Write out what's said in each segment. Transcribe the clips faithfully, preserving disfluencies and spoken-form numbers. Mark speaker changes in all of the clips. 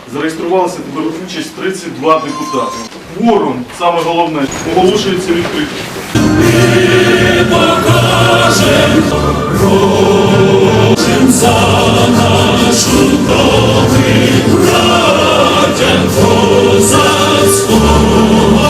Speaker 1: Зареєструвалися тепер участь тридцять два депутати. Кворум, саме головне, оголошується відкритим.
Speaker 2: Ми покажемо кожен за нашу добру радян козацького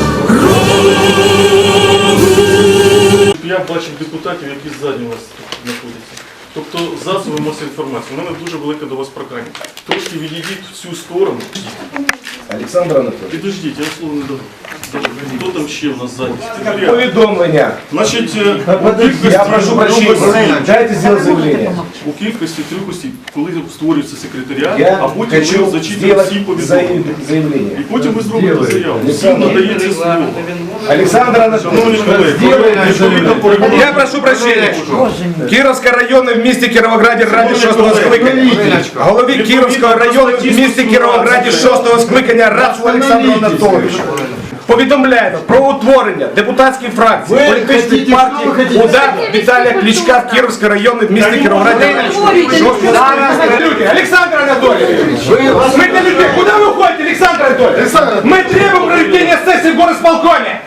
Speaker 2: роду.
Speaker 1: Я бачив депутатів, які ззаді у вас тут знаходяться. Тобто засоби масової інформації. У мене дуже велике до вас прохання. Трошки відійдіть в цю сторону.
Speaker 3: Олександр Анатолійович.
Speaker 1: Підождіть, я слово не дам. Хто там ще в нас ззаді?
Speaker 3: Повідомлення.
Speaker 1: Значить, у кількості
Speaker 3: Я прошу прощения, дайте сделать заявление.
Speaker 1: у кількості трьох осіб, коли створюється секретаріат,
Speaker 3: Я
Speaker 1: а потім ви
Speaker 3: хочу
Speaker 1: зачитуєте
Speaker 3: сделать
Speaker 1: всі повідомлення.
Speaker 3: заявление.
Speaker 1: І потім ви зробите заяву. Всім надається слово.
Speaker 3: Александр
Speaker 1: Шановні
Speaker 3: Анатольевич,
Speaker 1: колеги, відповідно по регламенту.
Speaker 3: я прошу прощения. Кировский район в місті Кіровограді раді шостого скликання. Голові Кировського району в місті Кіровограді шостого скликання Рацу Олександру Анатолійовичу. Повідомляємо про утворення депутатської фракції політичної партії «Удар» Віталія Кличка в Кировському районі в місті Кіровограді. Александр Анатольевич, мы для людей. Куда вы уходите, Александр Анатольевич? Мы требуем проведения сессии в горосполкоме.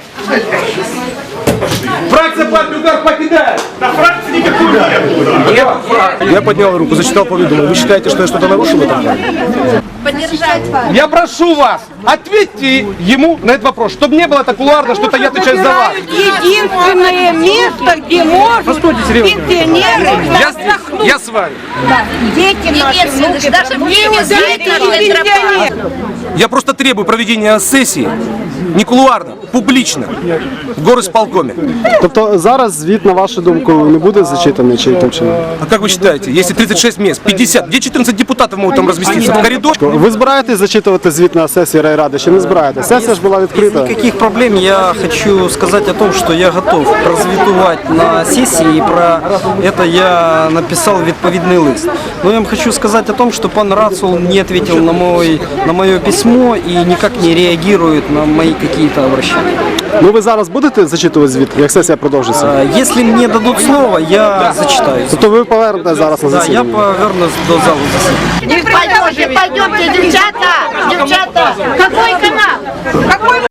Speaker 3: Фракция партии «Удар» покидает. На фракции никакой нет.
Speaker 4: Я поднял руку, зачитал поведомление. Вы считаете, что я что-то нарушил в этом?
Speaker 5: Поддержать вас.
Speaker 4: Я прошу вас, ответьте ему на этот вопрос, чтобы не было так кулуарно, что-то я отвечаю за вас.
Speaker 5: Единственное место, где могут пенсионеры
Speaker 4: Я,
Speaker 5: отдохнуть.
Speaker 4: я с вами.
Speaker 5: Дети наши, внуки,
Speaker 6: даже в
Speaker 5: не
Speaker 6: небе сидит
Speaker 5: удивительные пенсионеры.
Speaker 4: Я просто требую проведения сессии не кулуарно, публично, в горосполкоме.
Speaker 7: Тобто зараз звіт, на вашу думку, не буде зачитаний чи яким чином?
Speaker 4: А как вы считаете, если тридцать шесть мест, пятьдесят, где четырнадцать депутатов могут там разместиться? В коридоре?
Speaker 7: Ви збираєтесь зачитувати звіт на сесії райради чи не збираєтесь? Сесія ж була відкрита.
Speaker 8: Никаких проблем. Я хочу сказать о том, что я готов прозвітувати на сессии, и про это я написал відповідний лист. Но я вам хочу сказать о том, что пан Рацул не ответил на, мой, на мое письмо и никак не реагирует на мои какие-то обращения.
Speaker 7: Ну ви зараз будете зачитувати звіт, як сесія продовжиться?
Speaker 8: А, Если мне дадут слово, я зачитаю.
Speaker 7: Тобто ви повернете зараз на
Speaker 8: Да, я
Speaker 7: засідання?
Speaker 8: повернусь до зала заседания.
Speaker 6: Пойдемте, пойдемте, девчата, девчата. Какой канал? Какой